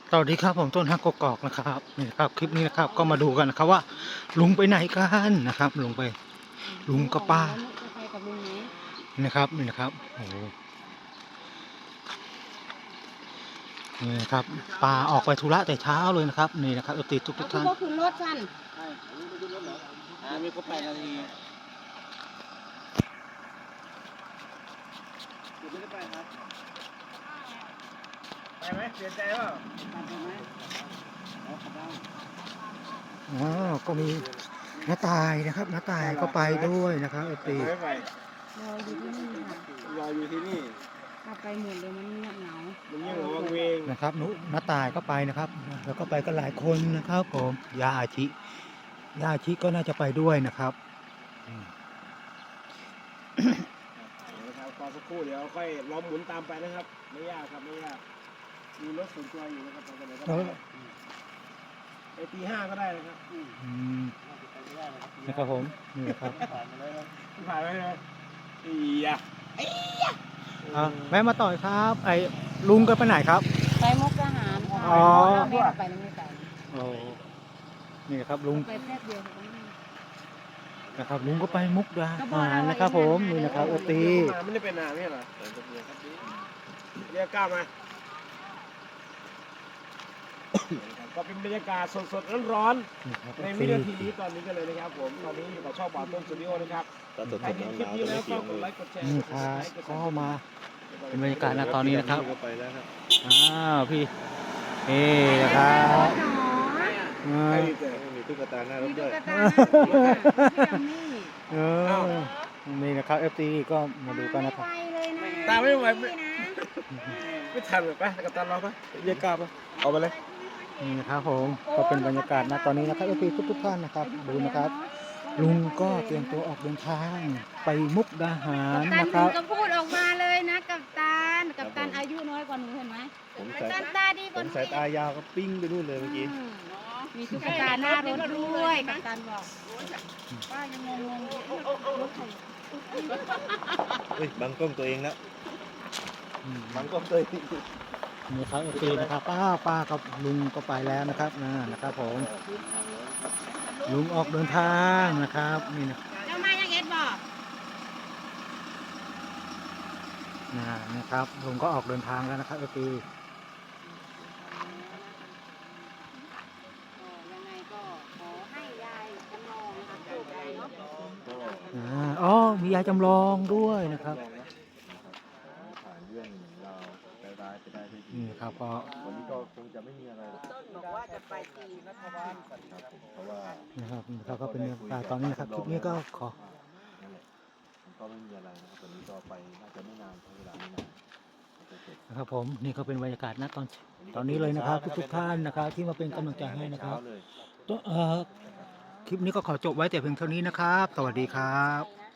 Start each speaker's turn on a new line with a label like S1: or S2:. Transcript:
S1: สวัสดีครับผมต้นฮักกกอกนะครับนี่นะครับคลิปนี้นะครับก็มาดูกันนะครับว่าลุงไปไหนกันนะครับลุงไปลุงกับป้า
S2: แล้วนุจะไปกับลุงไหม
S1: นะครับนี่นะครับโอ้โหนี่นะครับป้าออกไปธุระแต่เช้าเลยนะครับนี่นะครับติดทุกท่าน
S2: ก็คือรถท่าน
S3: ใช่ไม่ขึ้นรถเหรอมีก็8 นาทีคุณไม่ได้ไปครับไปไหมเปลี่ยนใจเปล่าไปไหมอ๋อขับได้
S1: อ๋อก็มีน้าตายนะครับน้าตายก็ไปด้วยนะครับติด
S3: ไม่ไป
S2: รออยู่ที่นี่ค่ะ
S3: รออยู่ที่นี่
S2: ถ้าไปหมดเลยมันเงียบเหงา
S3: มันยิ่งวังเวง
S1: นะครับน้าตายก็ไปนะครับแล้วก็ไปกันหลายคนนะครับผมยาอาชิก็น่าจะไปด้วยนะครับ
S3: นะครับรอสักครู่เดี๋ยวค่อยล้อมหมุนตามไปนะครับไม่ยากครับไม่ยากมีรถส่วนตัวอยู่นะครับไปไหนก็ได้ไปตี 5ก็ได้นะครับ
S1: นะครับผมนี่ครับ
S3: ผ่านไปเลยอียะ
S1: แม่มาต่อยครับไอ้ลุงก็ไปไหนครับ
S2: ไปมุกทหารค่ะไม่ไปไม่ไป
S1: โอ้นี่ครับลุง
S2: ไปแค่เดียว
S1: นะครับลุงก็ไปมุกดาหารนะครับผมนี่นะครับตี
S3: ไม่ได้เป็นนานไม่เหรอเรียกก้ามาก็เป็นบรรยากาศสดๆร้อนๆในวินาทีนี้ตอนนี้กันเลยนะครับผมตอนนี้อยู่กับช่องบ่าวต้นสตูดิโอนะครับใครเห็นคลิปนี้แล้วก็กดไลค์กดแชร์
S1: นี่ครับก็มาเป็นบรรยากาศณตอนนี้นะครับพี่นะครับ
S3: มีตุ๊กตาหน้ารถด้วย
S1: นี่นะครับFTก็มาดูกันนะครับ
S3: ตาไม่ไหวไม่ทันเลยไปกับตาเราไปเรียกกล้าไปเอาไปเลย
S1: นี่นะครับผมก็เป็นบรรยากาศณตอนนี้นะครับFTทุกท่านนะครับดูนะครับลุงก็เตรียมตัวออกเดินทางไปมุกดาหารนะครับ
S2: ก็พูดออกมาเลยนะกัปตันอายุน้อยกว่าหนูเห็นไหมกัปตันตาดีบน
S3: สายตายาวก็ปิ้งไปนู่นเลยเมื่อกี้
S2: มีตุ๊กตาหน้ารถด้วยกัปตันบอกป้ายังงงรถใคร
S3: บังกล้องตัวเองแล้วบังกล้องตัวเอง
S1: นี่ครับโอเคนะครับป้ากับลุงก็ไปแล้วนะครับนะครับผมลุงออกเดินทางนะครับนี่นะ
S2: เจ้ามายังเอ็ดบอก
S1: นะครับลุงก็ออกเดินทางแล้วนะครับโอเค
S2: ยังไงก็ขอให้ยายจำลองนะคะปลูกอะไรเนาะ
S1: อ๋อมียายจำลองด้วยนะครับนี่ครับก็
S3: วันนี้ก็คงจะไม่มีอะไร
S2: ต้นบอกว่าจะไปตีรัฐบาล
S3: เพราะว่า
S1: นะครับเขาก็เป็นตอนนี้นะครับคลิปนี้ก็ขอ
S3: ก็ไม่มีอะไรนะครับวันนี้ก็ไปน่าจะไม่นานเวลาไม่นาน
S1: นะครับผมนี่ก็เป็นบรรยากาศณตอนนี้เลยนะครับทุกท่านนะครับที่มาเป็นกำลังใจให้นะครับคลิปนี้ก็ขอจบไว้แต่เพียงเท่านี้นะครับสวัสดีครับ